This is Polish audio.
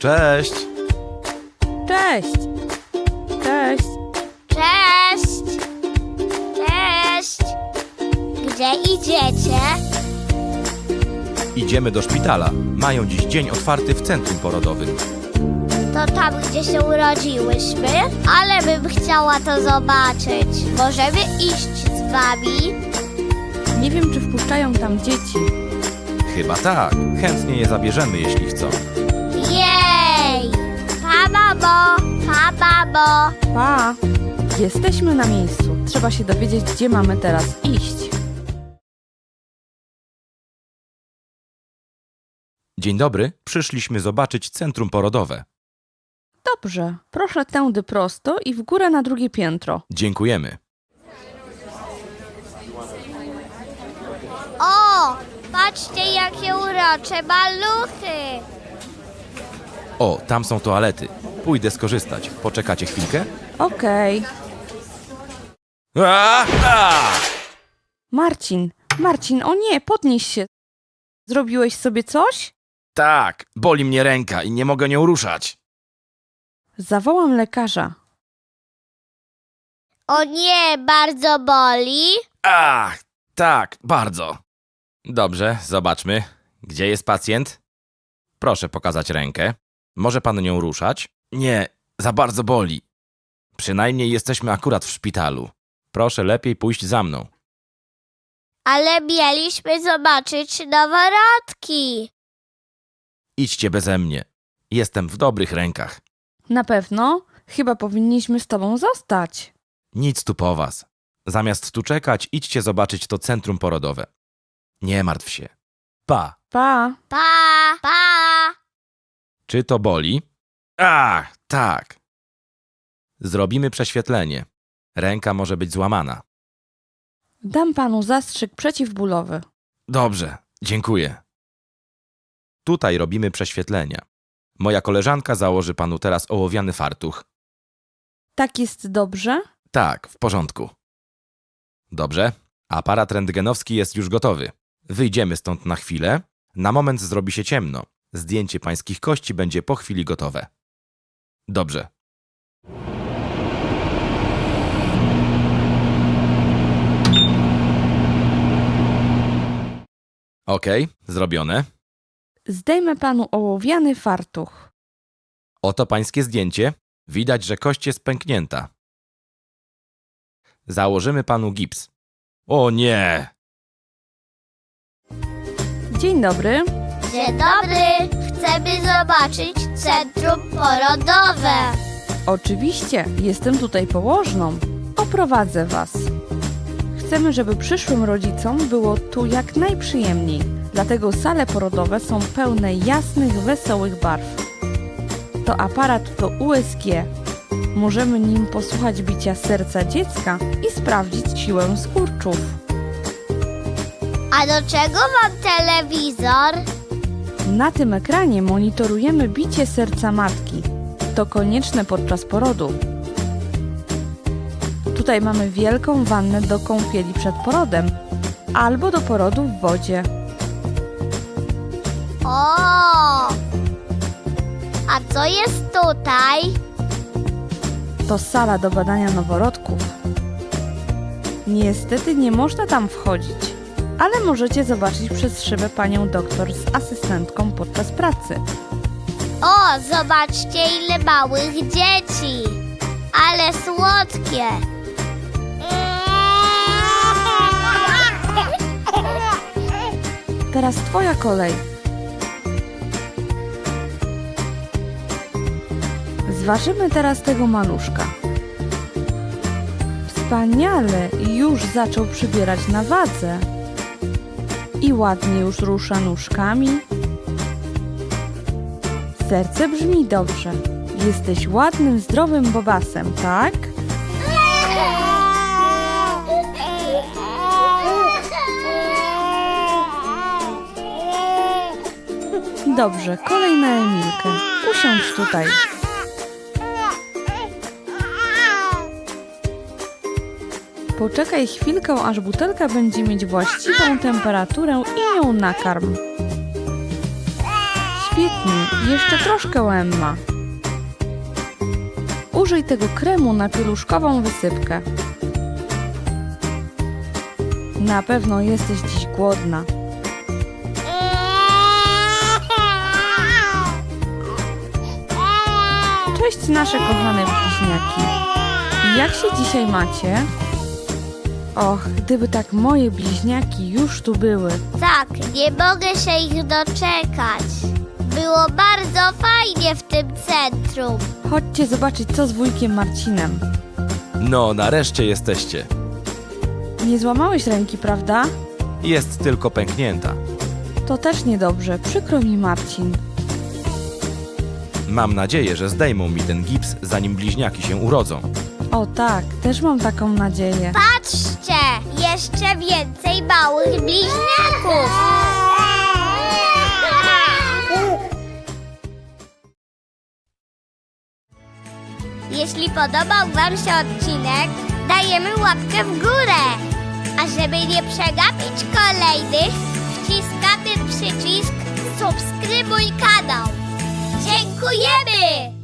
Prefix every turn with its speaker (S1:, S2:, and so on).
S1: Cześć!
S2: Cześć! Cześć!
S3: Cześć! Cześć! Gdzie idziecie?
S1: Idziemy do szpitala. Mają dziś dzień otwarty w centrum porodowym.
S3: To tam, gdzie się urodziłyśmy? Ale bym chciała to zobaczyć. Możemy iść z wami?
S2: Nie wiem, czy wpuszczają tam dzieci.
S1: Chyba tak. Chętnie je zabierzemy, jeśli chcą.
S3: Jej! Pa, mamo! Pa, mamo!
S2: Pa! Jesteśmy na miejscu. Trzeba się dowiedzieć, gdzie mamy teraz iść.
S1: Dzień dobry. Przyszliśmy zobaczyć centrum porodowe.
S2: Dobrze. Proszę tędy prosto i w górę na drugie piętro.
S1: Dziękujemy.
S3: O! Patrzcie, jakie urocze maluchy!
S1: O, tam są toalety. Pójdę skorzystać. Poczekacie chwilkę?
S2: Okej. Marcin, o nie, podnieś się. Zrobiłeś sobie coś?
S1: Tak, boli mnie ręka i nie mogę nią ruszać.
S2: Zawołam lekarza.
S3: O nie, bardzo boli?
S1: Ach, tak, bardzo. Dobrze, zobaczmy. Gdzie jest pacjent? Proszę pokazać rękę. Może pan nią ruszać? Nie, za bardzo boli. Przynajmniej jesteśmy akurat w szpitalu. Proszę lepiej pójść za mną.
S3: Ale mieliśmy zobaczyć noworodki.
S1: Idźcie beze mnie. Jestem w dobrych rękach.
S2: Na pewno? Chyba powinniśmy z tobą zostać.
S1: Nic tu po was. Zamiast tu czekać, idźcie zobaczyć to centrum porodowe. Nie martw się. Pa.
S2: Pa!
S3: Pa, pa!
S1: Czy to boli? Ach, tak. Zrobimy prześwietlenie. Ręka może być złamana.
S2: Dam panu zastrzyk przeciwbólowy.
S1: Dobrze, dziękuję. Tutaj robimy prześwietlenia. Moja koleżanka założy panu teraz ołowiany fartuch.
S2: Tak jest dobrze?
S1: Tak, w porządku. Dobrze, aparat rentgenowski jest już gotowy. Wyjdziemy stąd na chwilę. Na moment zrobi się ciemno. Zdjęcie pańskich kości będzie po chwili gotowe. Dobrze. Okej, zrobione.
S2: Zdejmę panu ołowiany fartuch.
S1: Oto pańskie zdjęcie. Widać, że kość jest pęknięta. Założymy panu gips. O nie!
S2: Dzień dobry.
S3: Dzień dobry! Chcemy zobaczyć centrum porodowe.
S2: Oczywiście, jestem tutaj położną. Oprowadzę was. Chcemy, żeby przyszłym rodzicom było tu jak najprzyjemniej. Dlatego sale porodowe są pełne jasnych, wesołych barw. To aparat to USG. Możemy nim posłuchać bicia serca dziecka i sprawdzić siłę skurczów.
S3: A do czego mam telewizor?
S2: Na tym ekranie monitorujemy bicie serca matki. To konieczne podczas porodu. Tutaj mamy wielką wannę do kąpieli przed porodem albo do porodu w wodzie.
S3: O! A co jest tutaj?
S2: To sala do badania noworodków. Niestety nie można tam wchodzić, ale możecie zobaczyć przez szybę panią doktor z asystentką podczas pracy.
S3: O, zobaczcie, ile małych dzieci! Ale słodkie!
S2: Teraz twoja kolej. Zważymy teraz tego maluszka. Wspaniale, już zaczął przybierać na wadze. I ładnie już rusza nóżkami. Serce brzmi dobrze. Jesteś ładnym, zdrowym bobasem, tak? Dobrze, kolej na Emilkę. Usiądź tutaj. Poczekaj chwilkę, aż butelka będzie mieć właściwą temperaturę i ją nakarm. Świetnie, jeszcze troszkę Emma. Użyj tego kremu na pieluszkową wysypkę. Na pewno jesteś dziś głodna. Cześć nasze kochane bliźniaki. Jak się dzisiaj macie? Och, gdyby tak moje bliźniaki już tu były.
S3: Tak, nie mogę się ich doczekać. Było bardzo fajnie w tym centrum.
S2: Chodźcie zobaczyć, co z wujkiem Marcinem.
S1: No, nareszcie jesteście.
S2: Nie złamałeś ręki, prawda?
S1: Jest tylko pęknięta.
S2: To też niedobrze, przykro mi, Marcin.
S1: Mam nadzieję, że zdejmą mi ten gips, zanim bliźniaki się urodzą.
S2: O tak, też mam taką nadzieję.
S3: Patrzcie, jeszcze więcej małych bliźniaków. Jeśli podobał Wam się odcinek, dajemy łapkę w górę. A żeby nie przegapić kolejnych, wciskamy przycisk subskrybuj kanał. Dziękujemy!